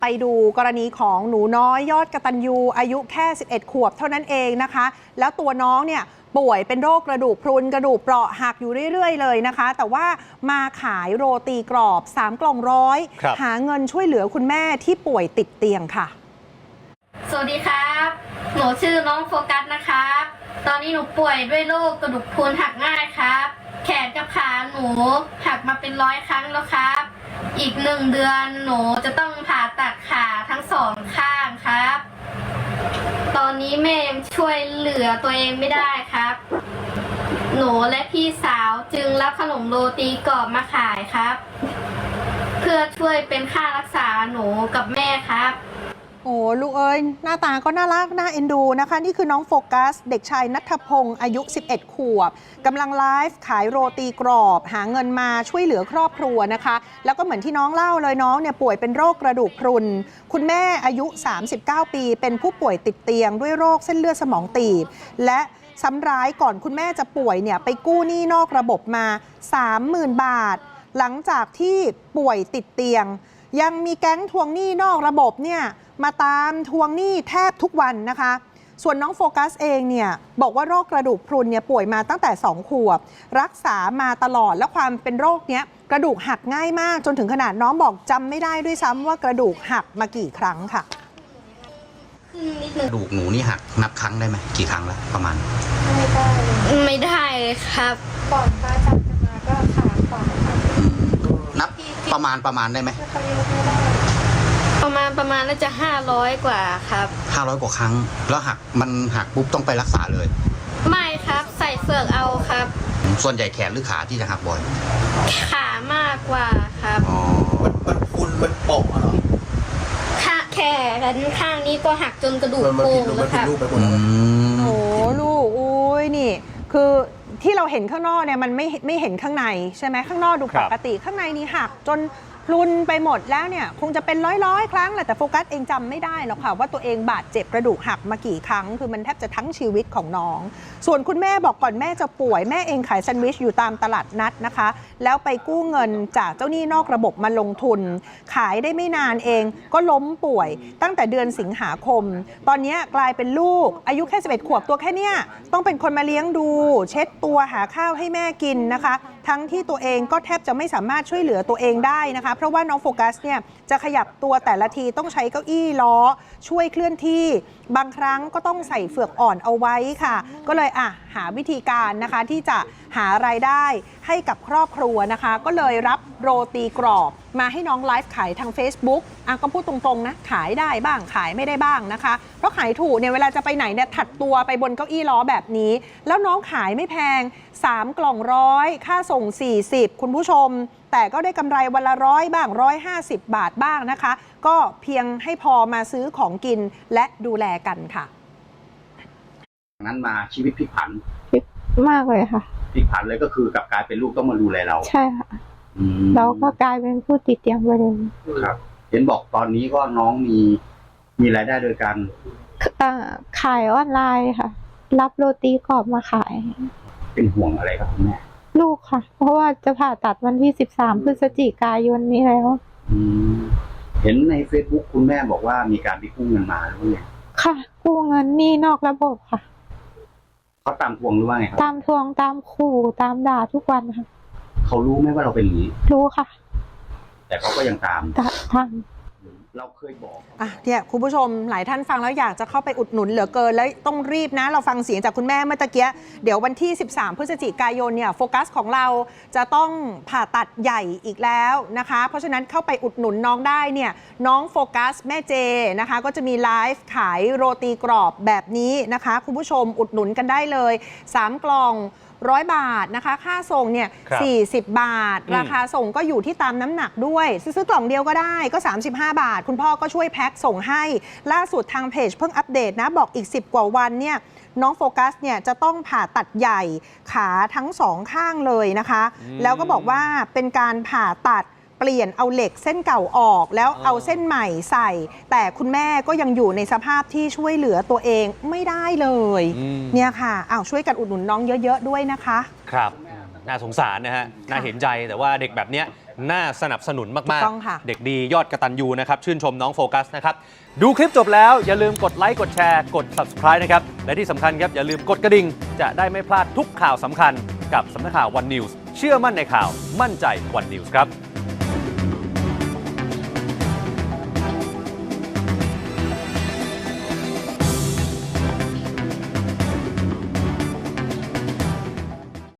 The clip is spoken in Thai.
ไปดูกรณีของหนูน้อยยอดกตัญญูอายุแค่11 ขวบเท่านั้นเองนะคะแล้วตัวน้องเนี่ยป่วยเป็นโรคกระดูกพรุนกระดูกเปราะหักอยู่เรื่อยๆเลยนะคะแต่ว่ามาขายโรตีกรอบ3 กล่องร้อยหาเงินช่วยเหลือคุณแม่ที่ป่วยติดเตียงค่ะสวัสดีครับหนูชื่อน้องโฟกัสนะครับตอนนี้หนูป่วยด้วยโรคกระดูกพรุนหักง่ายครับแขนกับขาหนูหักมาเป็น100 ครั้งแล้วครับอีก1 เดือนหนูจะต้องผ่าตัดขาทั้ง2 ข้างครับตอนนี้แม่ยังช่วยเหลือตัวเองไม่ได้ครับหนูและพี่สาวจึงรับขนมโรตีกรอบมาขายครับเพื่อช่วยเป็นค่ารักษาหนูกับแม่ครับโอ้ลูกเอ้ยหน้าตาก็น่ารักน่าเอ็นดูนะคะนี่คือน้องโฟกัสเด็กชายณัฐพงศ์อายุ11 ขวบกำลังไลฟ์ขายโรตีกรอบหาเงินมาช่วยเหลือครอบครัวนะคะแล้วก็เหมือนที่น้องเล่าเลยน้องเนี่ยป่วยเป็นโรคกระดูกพรุนคุณแม่อายุ39 ปีเป็นผู้ป่วยติดเตียงด้วยโรคเส้นเลือดสมองตีบและซ้ำร้ายก่อนคุณแม่จะป่วยเนี่ยไปกู้หนี้นอกระบบมา 30,000 บาทหลังจากที่ป่วยติดเตียงยังมีแก๊งทวงหนี้นอกระบบเนี่ยมาตามทวงหนี้แทบทุกวันนะคะส่วนน้องโฟกัสเองเนี่ยบอกว่าโรคกระดูกพรุนเนี่ยป่วยมาตั้งแต่2 ขวบรักษามาตลอดและความเป็นโรคเนี้ยกระดูกหักง่ายมากจนถึงขนาดน้องบอกจำไม่ได้ด้วยซ้ำว่ากระดูกหักมากี่ครั้งค่ะกระดูกหนูนี่หักนับครั้งได้ไหมกี่ครั้งแล้วประมาณไม่ได้เลยครับก่อนพระอาจารย์จะมาก็ขาขวานับประมาณได้ไหมประมาณน่าจะ500 กว่าครับ 500 กว่าครั้งแล้วมันหักปุ๊บต้องไปรักษาเลยไม่ครับใส่เฟือกเอาครับส่วนใหญ่แขนหรือขาที่จะหักบ่อยขามากกว่าครับอ๋อมันพุนมันโป่งเหรอแขนข้างนี้ก็หักจนกระดูกโป่งแล้วครับโอ้ลูกอุ้ยนี่คือที่เราเห็นข้างนอกเนี่ยมันไม่เห็นข้างในใช่ไหมข้างนอกดูปกติข้างในนี่หักจนพลุนไปหมดแล้วเนี่ยคงจะเป็นร้อยครั้งแหละแต่โฟกัสเองจำไม่ได้หรอกค่ะว่าตัวเองบาดเจ็บกระดูกหักมากี่ครั้งคือมันแทบจะทั้งชีวิตของน้องส่วนคุณแม่บอกก่อนแม่จะป่วยแม่เองขายแซนด์วิชอยู่ตามตลาดนัดนะคะแล้วไปกู้เงินจากเจ้าหนี้นอกระบบมาลงทุนขายได้ไม่นานเองก็ล้มป่วยตั้งแต่เดือนสิงหาคมตอนนี้กลายเป็นลูกอายุแค่11 ขวบตัวแค่เนี้ยต้องเป็นคนมาเลี้ยงดูเช็ดตัวหาข้าวให้แม่กินนะคะทั้งที่ตัวเองก็แทบจะไม่สามารถช่วยเหลือตัวเองได้นะคะเพราะว่าน้องโฟกัสเนี่ยจะขยับตัวแต่ละทีต้องใช้เก้าอี้ล้อช่วยเคลื่อนที่บางครั้งก็ต้องใส่เฟือกอ่อนเอาไว้ค่ะก็เลยหาวิธีการนะคะที่จะหารายได้ให้กับครอบครัวนะคะก็เลยรับโรตีกรอบมาให้น้องไลฟ์ขายทาง Facebook ก็พูดตรงๆนะขายได้บ้างขายไม่ได้บ้างนะคะเพราะขายถูกเนี่ยเวลาจะไปไหนเนี่ยถัดตัวไปบนเก้าอี้ล้อแบบนี้แล้วน้องขายไม่แพง3 กล่องร้อยค่าส่ง40คุณผู้ชมแต่ก็ได้กำไรวันละ100 บ้าง150 บาทบ้างนะคะก็เพียงให้พอมาซื้อของกินและดูแลกันค่ะนั้นมาชีวิตพลิกผันมากเลยค่ะพลิกผันเลยก็คือกลับกลายเป็นลูกต้องมาดูแลเราใช่ค่ะเราก็กลายเป็นผู้ติดเตียงไปเลยครับเห็นบอกตอนนี้ก็น้องมีรายได้โดยการขายออนไลน์ค่ะรับโรตีกรอบมาขายเป็นห่วงอะไรครับคุณแม่ลูกค่ะเพราะว่าจะผ่าตัดวันที่13 พฤศจิกายนนี้แล้วเห็นใน Facebook คุณแม่บอกว่ามีการไปกู้เงินมาหรือไงค่ะกู้เงินนี่นอกระบบค่ะเขาตามทวงหรือว่าไงครับตามทวงตามขู่ตามด่าทุกวันค่ะเขารู้ไหมว่าเราเป็นอย่างนี้รู้ค่ะแต่เขาก็ยังตามเราเคยบอกเนี่ยคุณผู้ชมหลายท่านฟังแล้วอยากจะเข้าไปอุดหนุนเหลือเกินแล้วต้องรีบนะเราฟังเสียงจากคุณแม่เมื่อกี้เดี๋ยววันที่13 พฤศจิกายนเนี่ยโฟกัสของเราจะต้องผ่าตัดใหญ่อีกแล้วนะคะเพราะฉะนั้นเข้าไปอุดหนุนน้องได้เนี่ยน้องโฟกัสแม่เจนะคะก็จะมีไลฟ์ขายโรตีกรอบแบบนี้นะคะคุณผู้ชมอุดหนุนกันได้เลย3 กล่อง100 บาทนะคะค่าส่งเนี่ย40 บาทราคาส่งก็อยู่ที่ตามน้ำหนักด้วยซื้อกล่องเดียวก็ได้ก็35 บาทคุณพ่อก็ช่วยแพ็คส่งให้ล่าสุดทางเพจเพิ่งอัปเดตนะบอกอีก10 กว่าวันเนี่ยน้องโฟกัสเนี่ยจะต้องผ่าตัดใหญ่ขาทั้ง2 ข้างเลยนะคะแล้วก็บอกว่าเป็นการผ่าตัดเปลี่ยนเอาเหล็กเส้นเก่าออกแล้วเอาเส้นใหม่ใส่แต่คุณแม่ก็ยังอยู่ในสภาพที่ช่วยเหลือตัวเองไม่ได้เลยเนี่ยค่ะช่วยกันอุดหนุนน้องเยอะๆด้วยนะคะครับน่าสงสารนะฮะน่าเห็นใจแต่ว่าเด็กแบบเนี้ยน่าสนับสนุนถูมากกต้องค่ะๆ เด็กดียอดกตัญญูนะครับ ชื่นชมน้องโฟกัสนะครับ ดูคลิปจบแล้วอย่าลืมกดไลค์กดแชร์กด subscribe นะครับ และที่สำคัญครับอย่าลืมกดกระดิ่งจะได้ไม่พลาดทุกข่าวสำคัญกับสำนักข่าว One News เชื่อมั่นในข่าวมั่นใจ One News ครับ